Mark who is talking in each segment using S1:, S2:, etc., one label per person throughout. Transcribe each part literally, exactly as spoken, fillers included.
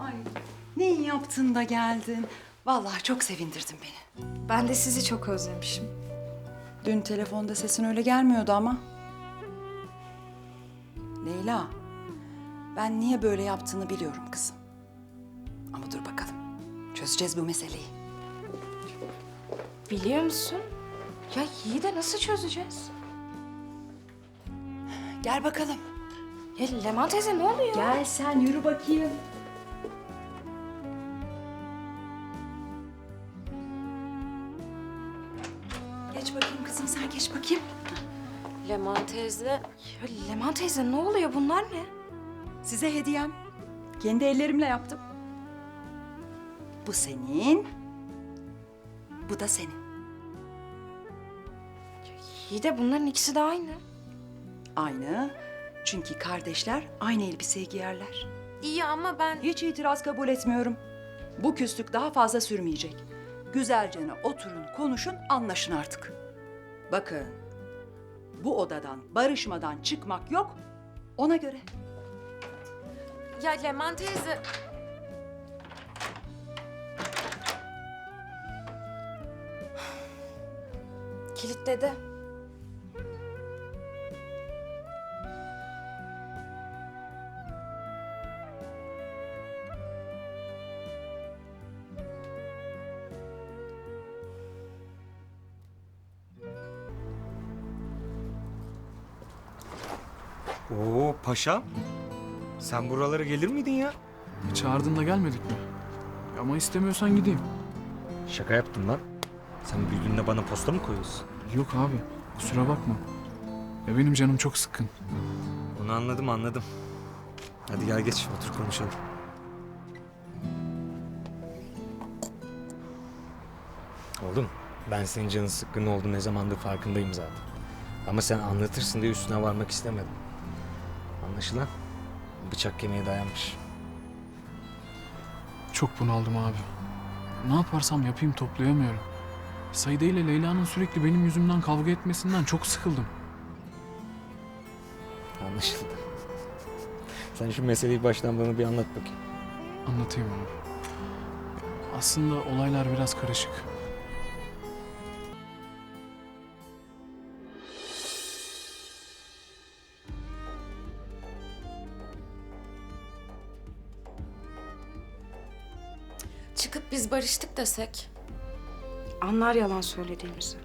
S1: Ay, ne iyi yaptın da geldin. Vallahi çok sevindirdin beni.
S2: Ben de sizi çok özlemişim.
S1: Dün telefonda sesin öyle gelmiyordu ama. Leyla, ben niye böyle yaptığını biliyorum kızım. Ama dur bakalım, çözeceğiz bu meseleyi.
S2: Biliyor musun? Ya iyi de nasıl çözeceğiz?
S1: Gel bakalım.
S2: Ya Leman teyze ne oluyor?
S1: Gel sen, yürü bakayım. Geç bakayım kızım, sen geç bakayım.
S3: Leman teyze.
S2: Ya Leman teyze ne oluyor? Bunlar ne?
S1: Size hediyem. Kendi ellerimle yaptım. Bu senin. Bu da senin.
S2: İyi de bunların ikisi de aynı.
S1: Aynı. Çünkü kardeşler aynı elbiseyi giyerler.
S3: İyi ama ben...
S1: Hiç itiraz kabul etmiyorum. Bu küslük daha fazla sürmeyecek. Güzelce oturun, konuşun, anlaşın artık. Bakın, bu odadan barışmadan çıkmak yok, ona göre.
S3: Ya Leman teyze...
S2: Kilitledi.
S4: Oo paşam. Sen buralara gelir miydin ya?
S5: Çağırdın da gelmedik mi? Ama istemiyorsan gideyim.
S4: Şaka yaptım lan. Sen büyüdüğünde bana posta mı koyuyorsun?
S5: Yok abi, kusura bakma. Ya benim canım çok sıkkın.
S4: Onu anladım anladım. Hadi gel geç otur konuşalım. Oğlum ben senin canın sıkkın oldu ne zamandır farkındayım zaten. Ama sen anlatırsın diye üstüne varmak istemedim. Anlaşılan bıçak kemiğe dayanmış.
S5: Çok bunaldım abi. Ne yaparsam yapayım toplayamıyorum. Saide ile Leyla'nın sürekli benim yüzümden kavga etmesinden çok sıkıldım.
S4: Anlaşıldı. Sen şu meseleyi baştan bana bir anlat bakayım.
S5: Anlatayım abi. Aslında olaylar biraz karışık.
S3: Çıkıp biz barıştık desek.
S2: Anlar yalan söylediğimizi.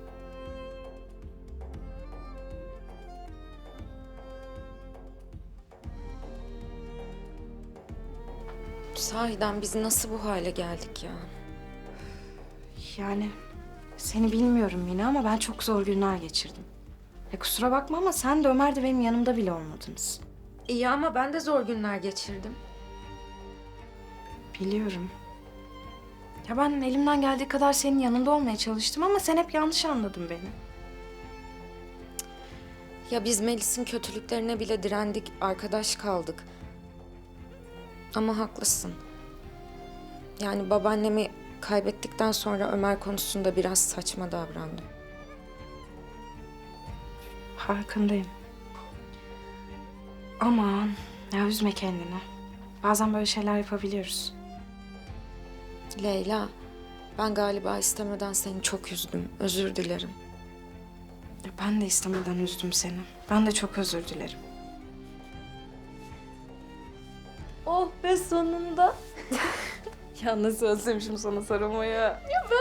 S3: Sahiden biz nasıl bu hale geldik ya?
S2: Yani seni bilmiyorum yine ama ben çok zor günler geçirdim. Ya kusura bakma ama sen de Ömer de benim yanımda bile olmadınız.
S3: İyi ama ben de zor günler geçirdim.
S2: Biliyorum. Ya ben elimden geldiği kadar senin yanında olmaya çalıştım ama sen hep yanlış anladın beni.
S3: Ya biz Melis'in kötülüklerine bile direndik, arkadaş kaldık. Ama haklısın. Yani babaannemi kaybettikten sonra Ömer konusunda biraz saçma davrandım.
S2: Farkındayım. Aman ya üzme kendini. Bazen böyle şeyler yapabiliyoruz.
S3: Leyla, ben galiba istemeden seni çok üzdüm. Özür dilerim.
S2: Ya ben de istemeden üzdüm seni. Ben de çok özür dilerim.
S3: Oh be sonunda.
S2: Ya nasıl özlemişim sana sarılmayı.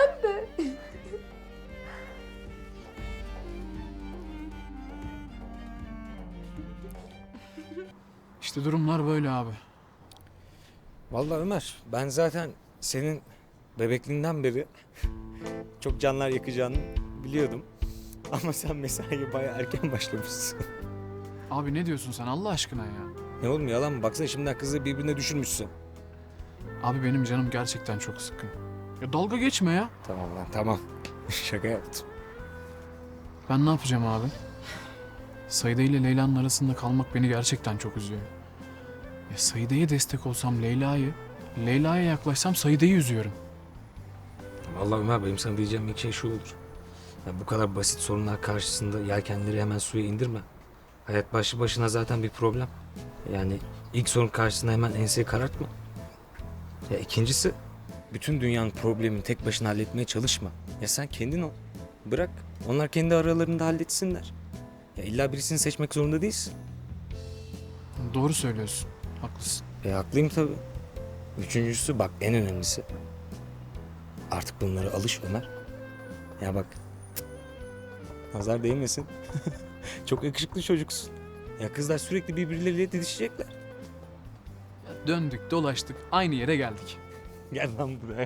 S5: İşte durumlar böyle abi.
S4: Vallahi Ömer, ben zaten senin bebekliğinden beri çok canlar yakacağını biliyordum. Ama sen mesaiye bayağı erken başlamışsın.
S5: Abi ne diyorsun sen Allah aşkına ya?
S4: Ne oğlum yalan mı? Baksana şimdiden kızı birbirine düşürmüşsün.
S5: Abi benim canım gerçekten çok sıkkın. Ya dalga geçme ya.
S4: Tamam lan tamam. Şaka yaptım.
S5: Ben ne yapacağım abi? Saide ile Leyla'nın arasında kalmak beni gerçekten çok üzüyor. Ya Saide'ye destek olsam Leyla'yı, Leyla'ya yaklaşsam Saide'yi üzüyorum.
S4: Vallahi Ömer benim sana diyeceğim ilk şey şu olur. Ya bu kadar basit sorunlar karşısında yelkenleri hemen suya indirme. Hayat başlı başına zaten bir problem. Yani ilk sorun karşısında hemen enseyi karartma. Ya ikincisi, bütün dünyanın problemini tek başına halletmeye çalışma. Ya sen kendin ol. Bırak, onlar kendi aralarında halletsinler. Ya illa birisini seçmek zorunda değilsin.
S5: Doğru söylüyorsun. Haklısın.
S4: E haklıyım tabii. Üçüncüsü bak en önemlisi. Artık bunlara alış Ömer. Ya bak. Nazar değmesin. Çok yakışıklı çocuksun. Ya kızlar sürekli birbirleriyle didişecekler.
S5: Ya döndük dolaştık aynı yere geldik.
S4: Gel lan buraya.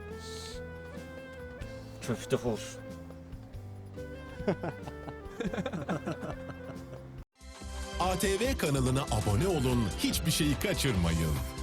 S4: Köfte olsun.
S6: A T V kanalına abone olun, hiçbir şeyi kaçırmayın.